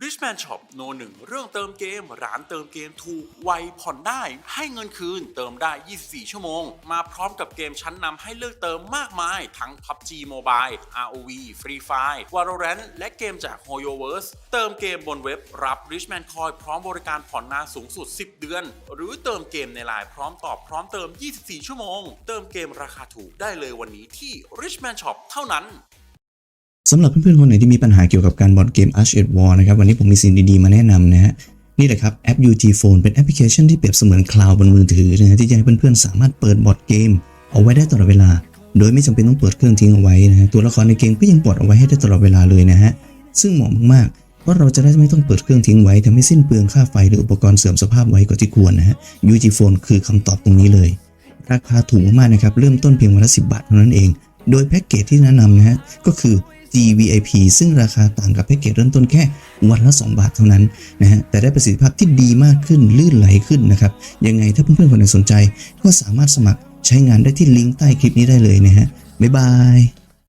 Richman Shop โนหนึ่งเรื่องเติมเกมร้านเติมเกมถูกไวผ่อนได้ให้เงินคืนเติมได้ 24 ชั่วโมงมาพร้อมกับเกมชั้นนำให้เลือกเติมมากมายทั้ง PUBG Mobile ROV Free Fire Valorant และเกมจาก HoYoverse เติมเกมบนเว็บรับ Richman Coin พร้อมบริการผ่อนนานสูงสุด 10 เดือนหรือเติมเกมในไลน์พร้อมตอบพร้อมเติม 24 ชั่วโมงเติมเกมราคาถูกได้เลยวันนี้ที่ Richman Shop เท่านั้นสำหรับเพื่อนๆคนไหนที่มีปัญหาเกี่ยวกับการบอร์ดเกม Arch at War นะครับวันนี้ผมมีสิ่งดีๆมาแนะนำนะฮะนี่แหละครับแอป UG Phone เป็นแอปพลิเคชันที่เปรียบเสมือนคลาวด์บนมือถือนะฮะที่จะให้เพื่อนๆสามารถเปิดบอร์ดเกมเอาไว้ได้ตลอดเวลาโดยไม่จำเป็นต้องเปิดเครื่องทิ้งเอาไว้นะฮะตัวละครในเกมก็ยังปลดเอาไว้ให้ได้ตลอดเวลาเลยนะฮะซึ่งเหมาะมากๆเพราะเราจะได้ไม่ต้องเปิดเครื่องทิ้งไว้ทำให้สิ้นเปลืองค่าไฟหรืออุปกรณ์เสื่อมสภาพไว้กว่าที่ควรนะฮะ UG Phone คือคำตอบตรงนี้เลยราคาถูกมากๆนะครับเริ่มต้นเพียงวันละ10 บาทเท่านั้นเองโดยแพ็กเกจที่แนะนำนะฮะก็คือGVIP ซึ่งราคาต่างกับแพ็กเกจเริ่มต้นแค่วันละ2 บาทเท่านั้นนะฮะแต่ได้ประสิทธิภาพที่ดีมากขึ้นลื่นไหลขึ้นนะครับยังไงถ้าเพื่อนๆคนไหนสนใจก็สามารถสมัครใช้งานได้ที่ลิงก์ใต้คลิปนี้ได้เลยนะฮะบ๊ายบาย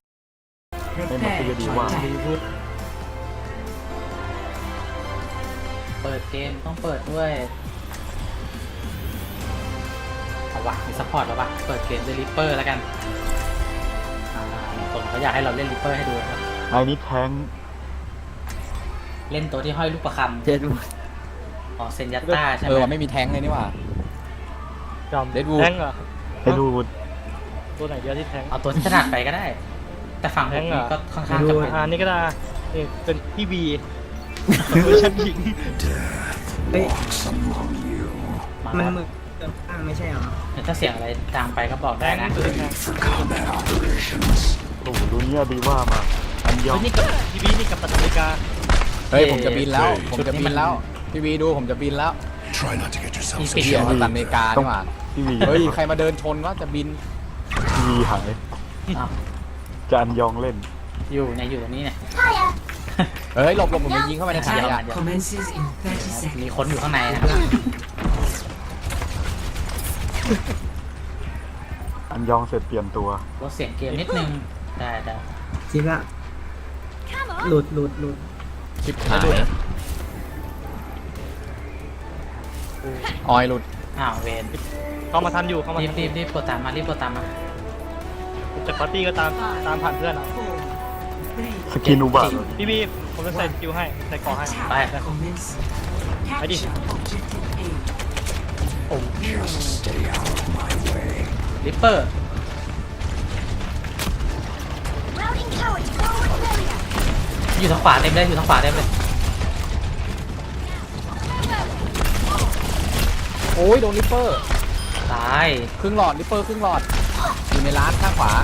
เปิดเกมต้องเปิดด้วยเอาวะมีซัพพอร์ตแล้ววะเปิดเกมด้วยริปเปอร์แล้วกันคนเขาอยากให้เราเล่นริปเปอร์ให้ดูครับไอ้นี่แทงเล่นตัวที่ห้อยลูกประคำเจ็ดอ๋อเซนยัตต้าใช่ไหมไม่มีแทงเลยนี่หว่าจอมเดดวูดแทงเหรอเดดวูดตัวไหนเดียวที่แทงเอาตัวที่ถนัดไปก็ได้แต่ฝั่งผมนี่ก็ค่อนข้างจะเป็นนี่ก็ได้เป็นพี่บีเวอร์ชันหญิงมันมือเกินข้างไม่ใช่เหรอถ้าเสียงอะไรดังไปก็บอกได้นะโอ้โหดูเนี่ยดีว่ามาอันยองนี่กับทีวีนี่กับตัดนาฬิกาเฮ้ยผมจะบินแล้วพี่วีดูผมจะบินแล้วมีปีกของตัดนาฬิกาดีกว่าเฮ้ยใครมาเดินชนว่าจะบินทีวีหายจะอันยองเล่นอยู่ตรงนี้เนี่ยเฮ้ยหลบผมยิงเข้าไปในถังขยะมีคนอยู่ข้างในนะครับอันยองเสร็จเปลี่ยนตัวลดเสียงเกมนิดนึงได้จริงละหลุดชิบหายออยหลุดเวนเข้ามาทันอยู่เข้ามารีบกดตามมาจากปาร์ตี้ก็ตามผ่านเพื่อนสกินอุบะพี่บีผมจะใส่สกิลให้ใส่ก่อให้ไปดิริปเปอร์อยู่ทางขวาเต็มเลยโอ้ยโดนริปเปอร์ตายครึ่งหลอดริปเปอร์ครึ่งหลอดอยู่ในร้านข้างขวา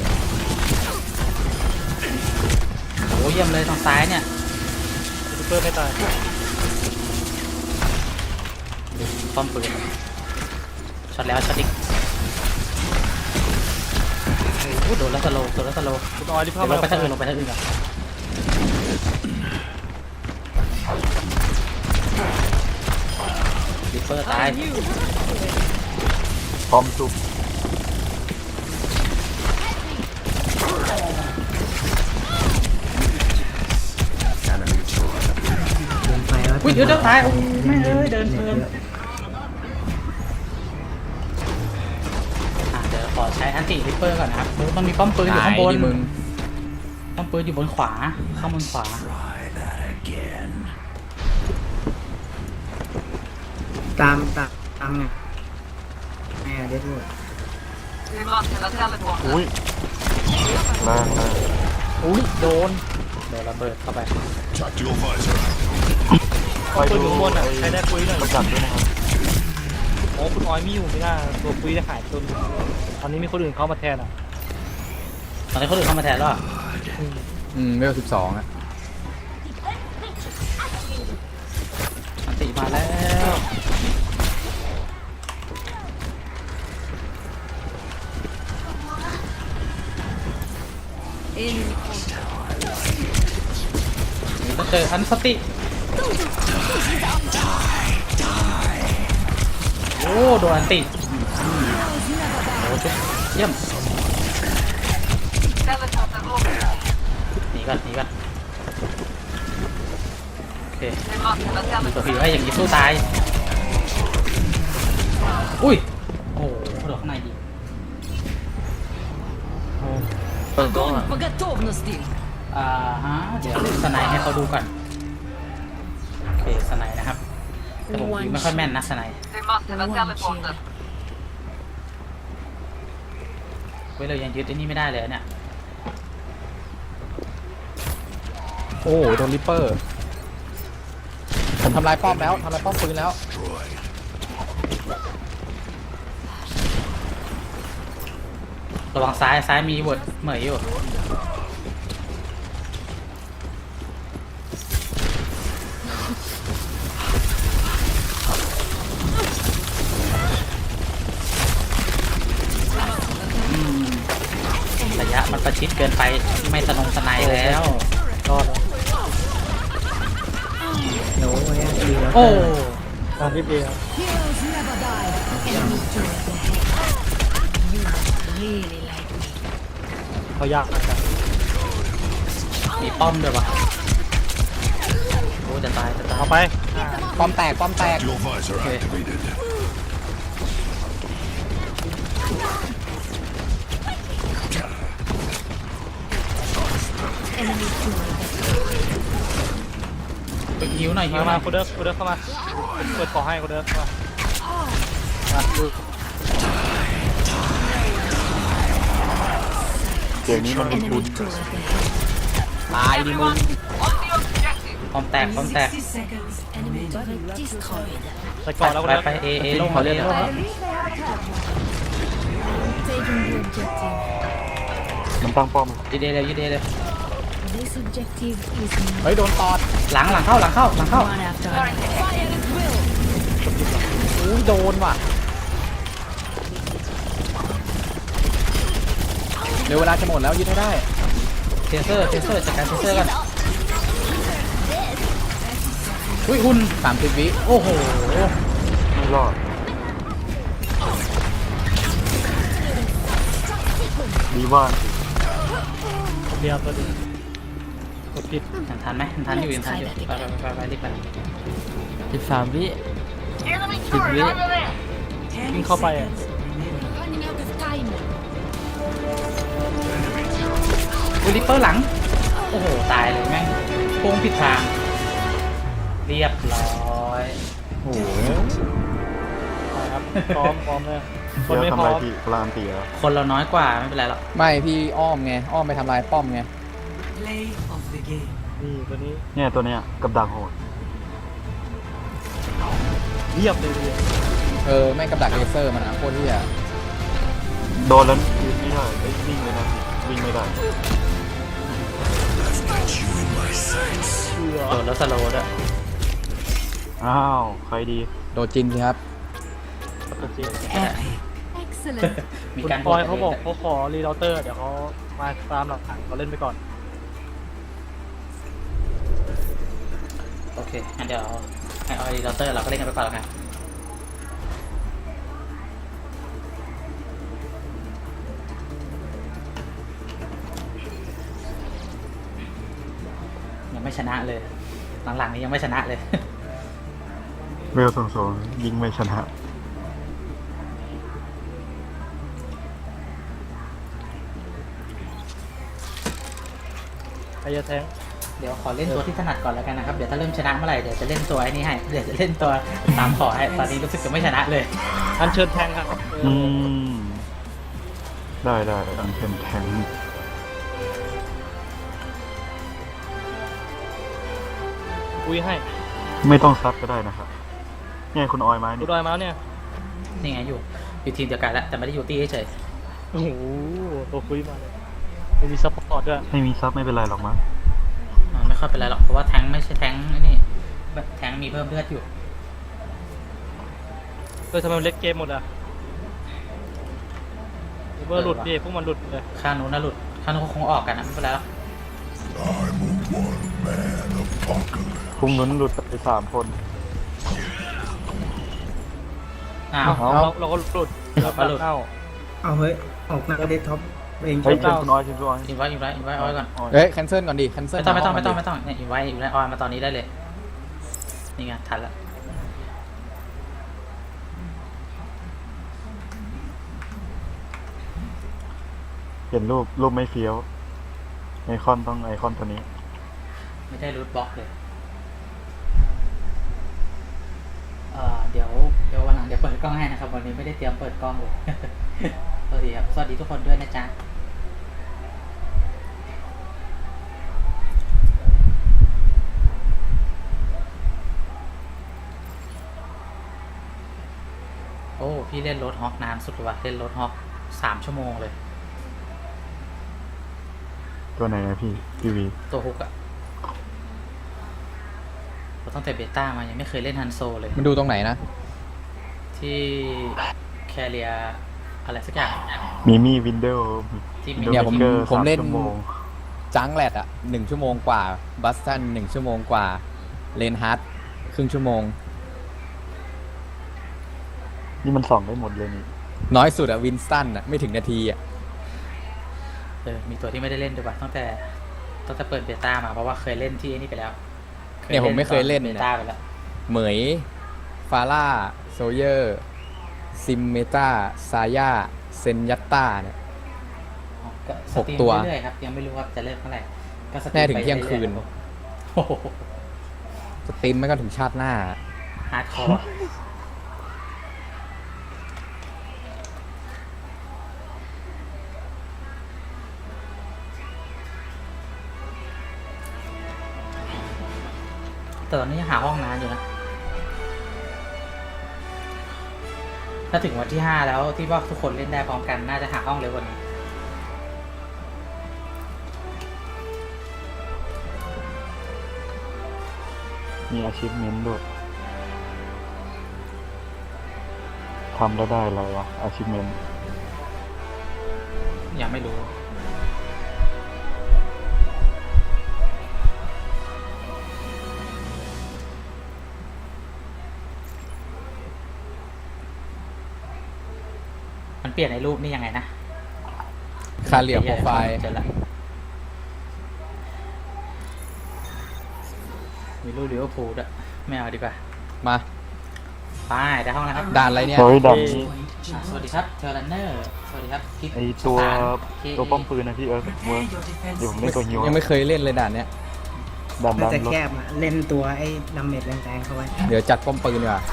โอ้เยี่ยมเลยทางซ้ายเนี่ยริปเปอร์ไม่ตายป้อมปืนช็อตแล้วช็อตอีกโดนแล้วสโลว์คุณออยที่เข้าลงไปทางอื่นก่อนริปเปอร์ตายพร้อมจุบอุ้ยเดี๋ยวตายไม่เดินเพลินเดี๋ยวขอใช้อันติริปเปอร์ก่อนนะครับมันมีป้อมปืนอยู่ข้างบนป้อมปืนอยู่บนขวาข้างบนขวาตามไงเด็ดหมดอุ้ยแรงโดนระเบิดเข้าไปไปดูข้างบนใครได้คุยหน่อยประจับด้วยนะครับโอ้คุณออยไม่อยู่ไม่น่าตัวคุยได้หายตัวตอนนี้มีคนอื่นเข้ามาแทนตอนนี้คนอื่นเข้ามาแทนแล้วเวล12 อันติมาแล้วก็เจออันสติโอ้โดนอันติโอ้ชุบเยี่ยมหนีก่อนเคมีตัวผีไว้อย่างนี้สู้ตายอุ้ยโอ้โหโดดข้างในดี Огонь по готовности! ฮะเดี๋ยวสไนด์ให้เขาดูก่อนโอเคสไนด์นะครับแต่ผมยิงไม่ค่อยแม่นนะสไนด์ เว้ยเรายังยึดไอ้นี่ไม่ได้เลยเนี่ยโอ้โดนริปเปอร์ผมทำลายป้อมแล้วทำลายป้อมปืนแล้วระวังซ้ายมีบทเหมยอยู่ระยะมันประชิดเกินไปไม่สนงสไนแล้วรอดแล้วโน้ยดีแล้วโอ้ตามที่เดียว Heroes never die! Enemy turret ahead. You really like me. เขายากนะครับมีป้อมด้วยวะโอ้จะตายเอาไปป้อมแตกป้อมแตก Your visor activated. Enemy turret ahead. ไปหิวหน่อยหิวหน่มาอยคุณเดิร์กเข้ามาเปิดขอให้คุณเดิร์กมาดูเกมนี้มัน Enemy turret ahead. ตายดิมึงป้อมแตก 60 seconds. Enemy turret destroyed. ใส่ก่อนแล้วคุณเดิร์กไปเอลงเขาเล่นแล้ว Taking the objective. มันตั้งป้อมยืดเลยยืดเลย This objective is เฮ้ยโดนตอดหลังเข้า one after another. Fire at will. อุ้ยโดนว่ะเดี๋ยวเวลาจะหมดแล้วยึดให้ได้เทเซอร์จัดการเทเซอร์กันอุ้ยหุ่น 30 วิโอ้โหไม่รอดดีว่าเดียวตัวเดียวกดผิดทันไหมทันอยู่ไปรีบไป 13 วิ 10 วิวิ่งเข้าไปอ่ะ Running out of time. อุ้ยริปเปอร์หลังโอ้โหตายเลยแม่งโค้งผิดทางเรียบร้อยโอ้โหไปครับพร้อมเลยคนเดี๋ยวไม่ทำพร้ลาอย มที่พลานตีแล้วคนเราน้อยกว่าไม่เป็นไรหรอกไม่พี่อ้อมไงอ้อมไปทำลายป้อมไงนี่ตัวนี้เนี่ยตัวเนี้ยกับดักโหดเรียบเลยแม่งกับดักเลเซอร์มันนะโคตรที่อ่ะโดนแล้วยืนไม่ได้เอ้ยวิ่งเลยนะวิ่งไม่ได้โดนแล้วสโลว์ด้วยอ้าวใครดีโดนจินสิครับตัวจริง Excellent. มีคุณการปอยเขาบอกเขาขอรีเราเตอร์เดี๋ยวเขามาตามหลักฐานเขาเล่นไปก่อนโอเคงั้นเดี๋ยวให้ออรีดอเตอร์เราก็เล่นกันไปก่อนแล้วกันยังไม่ชนะเลยหลังๆนี้ยังไม่ชนะเลยเวลสูงๆยิงไม่ชนะใครจะแทงเดี๋ยวขอเล่นตัวที่ถนัดก่อนแล้วกันนะครับ เดี๋ยวถ้าเริ่มชนะเมื่อไหร่เดี๋ยวจะเล่นตัวไอ้นี่ให้ เดี๋ยวจะเล่นตัวตามขอให้ ตอนนี้รู้สึกจะไม่ชนะเลยอันเชิญแทงครับอืมได้อันเป็นแทงอุ้ยให้ไม่ต้องซับก็ได้นะครับเนี่ยคุณออยมาดูนี่ดอยมาแล้วเนี่ยนี่ไงอยู่ทีมเดียวกันแล้วแต่ไม่ได้อยู่ตีเฉยโอ้โหตัวคุยมาเลยไม่มีซัพพอร์ตด้วยไม่มีซับไม่เป็นไรหรอกมั้งไม่ค่อยเป็นไรหรอกเพราะว่าแทงค์ไม่ใช่แทงค์ไอ้นี่แทงค์มีเพิ่มเลือดอยู่ทำไมมันเล็กเกมหมดอ่ะเบอร์หลุดดิพวกมันหลุดเลยข้างนู้นน่ะหลุดข้างนู้นเขาคงออกกันนะไม่เป็นไรหรอกคุมนุ้นหลุดไป3 คนอ้าวเราก็หลุดเราก็หลุดเอ้าเอาเฮ้ย ออกหน้าเดสก์ท็อปเองเฮ้ยใช่เชิญคุณออยเชิญคุณออยอินไว้ออยก่อนเฮ้ยแคนเซิลก่อนดิแคนเซิลไม่ต้องอินไว้ออยมาตอนนี้ได้เลยนี่ไงทันละเห็นรูปไม่เฟี้ยวไอคอนต้องไอคอนตัวนี้ไม่ได้รูทบล็อกเลยเดี๋ยววันหลังเดี๋ยวเปิดกล้องให้นะครับวันนี้ไม่ได้เตรียมเปิดกล้องเลย สวัสดีครับสวัสดีทุกคนด้วยนะจ๊ะโอ้พี่เล่นรถฮอกนานสุดเลยว่ะเล่นรถฮอก3 ชั่วโมงเลยตัวไหนนะพี่ทีวีตัวฮุกอะตั้งแต่เบต้ามายังไม่เคยเล่นฮันโซเลยมันดูตรงไหนนะที่แคเรียอะไรสักอย่างมีมี่วินโดว์ที่มีเนี่ยผมเล่นชั่วโมงจังแรดอะ1 ชั่วโมงกว่าบัสตัน1 ชั่วโมงกว่าเลนฮาร์ดครึ่งชั่วโมงนี่มันส่องได้หมดเลยนี่น้อยสุดอะวินสตันอะไม่ถึงนาทีอะมีตัวที่ไม่ได้เล่นด้วยว่ะตั้งแต่เปิดเบต้ามาเพราะว่าเคยเล่นที่นี่ไปแล้วเนี่ยผมไม่เคยเล่นเบเนี่ยต้าไปแล้วเหมยฟาร่าโซเยอร์ซิมเมตาซายาเซนยัตตาเนี่ยก็สตรีม 6 ตัวเรื่อยๆครับยังไม่รู้ว่าจะเลิกเมื่อไหร่ก็สตรีมแน่ถึงไปเที่ยงคืนรื่อโอ้โหสตรีมไม่ก็ถึงชาติหน้าฮาร์ดคอร์แต่ตอนนี้ยังหาห้องน้ำอยู่นะ ถ้าถึงวันที่ 5 แล้วที่ว่าทุกคนเล่นได้พร้อมกันน่าจะหาห้องเร็วกว่านี้มีอาชีพเมนด้วยทำแล้วได้อะไรวะอาชีพเมนยังไม่รู้ มันเปลี่ยนในรูปนี่ยังไงนะคาเรียโปรไฟล์เจอละมีรูปลิเวอร์พูลด้วยไม่เอาดีกว่ามาไปได้ห้องแล้วครับด่านอะไรเนี่ยเฮ้ยดำนี้สวัสดีครับเทอร์รันเนอร์ สวัสดีครับคิกไอตัวสถานตัวป้อมปืนนะพี่เวิร์กเดี๋ยวผมเล่นตัวฮิวยังไม่เคยเล่นเลยด่านเนี้ยดันน่าดันจะรถแคบอะเล่นตัวไอ้ดาเมจแรงๆเข้าไว้เดี๋ยวจัดป้อมปืนดีกว่า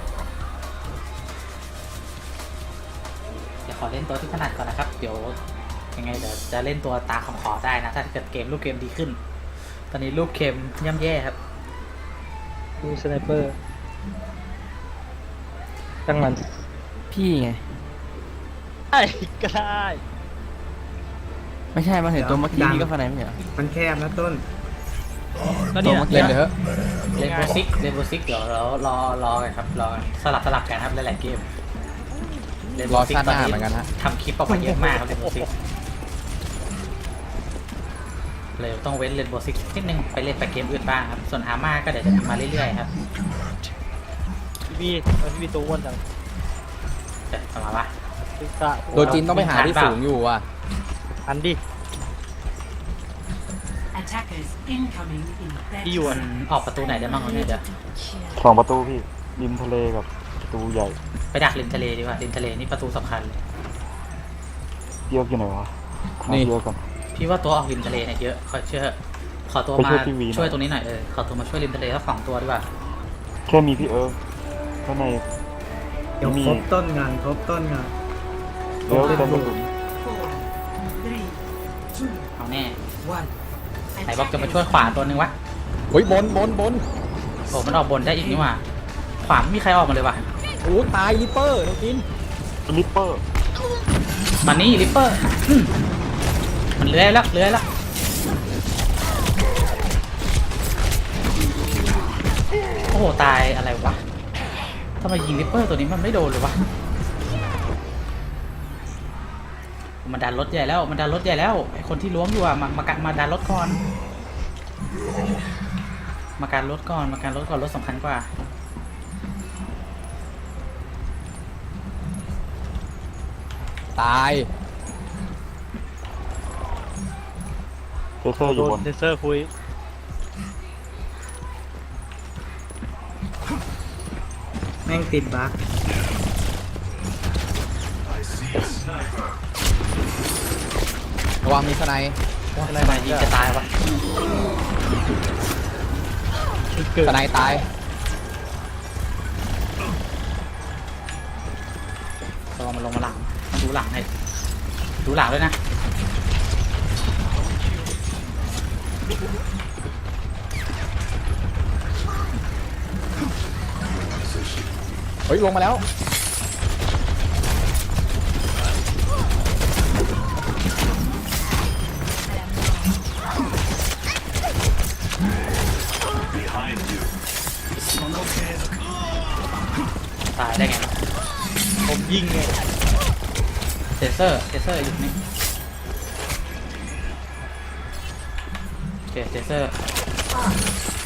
เดี๋ยวขอเล่นตัวที่ถนัดก่อนนะครับ เดี๋ยวยังไงเดี๋ยวจะเล่นตัวตาของขอได้นะ ถ้าเกิดเกมรูปเกมดีขึ้น ตอนนี้รูปเกมย่ำแย่ครับดูสไนเปอร์ตั้งมันพี่ไงได้ก็ได้ไม่ใช่มาเห็นตัวเมื่อกี้นี่ก็ฟันไหนไม่เหรอมันแคบนะต้นแล้วเนี่ยเล่นเลยเถอะเล่นโบซิกเดี๋ยวเรารอกันครับรอสลับกันครับหลายๆเกมรอชาติหน้าเหมือนกันฮะทำคลิปออกมาเยอะมากครับเล่นโบซิกเลยต้องเว้นเล่นโบซิกนิดนึงไปเล่นแต่เกมอื่นบ้างครับส่วนอาม่าก็เดี๋ยวจะทำมาเรื่อยๆครับพี่บีตัวอ้วนจังเดี๋ยวเอามาปะตึกะตัวจีนต้องไปหาที่สูงอยู่อ่ะอันดิ ที่อยู่มันออกประตูไหนได้บ้างวะเนี่ยเดี๋ยวสองประตูพี่ริมทะเลกับประตูใหญ่ไปดักริมทะเลดีกว่าริมทะเลนี่ประตูสำคัญเลยเยอะกี่ไหนวะนี่เยอะกันพี่ว่าตัวออกริมทะเลเนี่ยเยอะขอเชื่อขอตัวไปมาช่วยพี่วีหน่อยช่วยตรงนี้หน่อยขอตัวมาช่วยริมทะเลสัก2 ตัวดีกว่าแค่มีพี่ข้างในเดี๋ยวมีครบต้นงานครบต้นงานเยอะเต็มกระสุนเอาแน่ไหนบอกจะมาช่วยขวาตัวนึงวะเฮ้ยบนโอ้มันออกบนได้อีกนี่หว่าขวาไม่มีใครออกมาเลยวะโอ้ตายลิปเปอร์ตัวจีนลิปเปอร์มานี่ริปเปอร์มันเลื้อยแล้วโอ้โหตายอะไรวะทำไมยิงริปเปอร์ตัวนี้มันไม่โดนเลยวะมันดันรถใหญ่แล้วไอคนที่ล้วงอยู่อะมาดันรถก่อนมาการรถก่อนรถสำคัญกว่าตายเทเซอร์อโดยู่นบนเซนเซอร์คุยม่งติดบั๊กระวังมีสไนด์อะไรมายิงจะตายวะสไนด์ตายระวังมันลงมาหลังดูหลังให้ดูหลังด้วยนะเฮ้ยลงมาแล้วตายได้ไงวะผมยิงไงเทเซอร์อยู่นี่โอเคเทเซอร์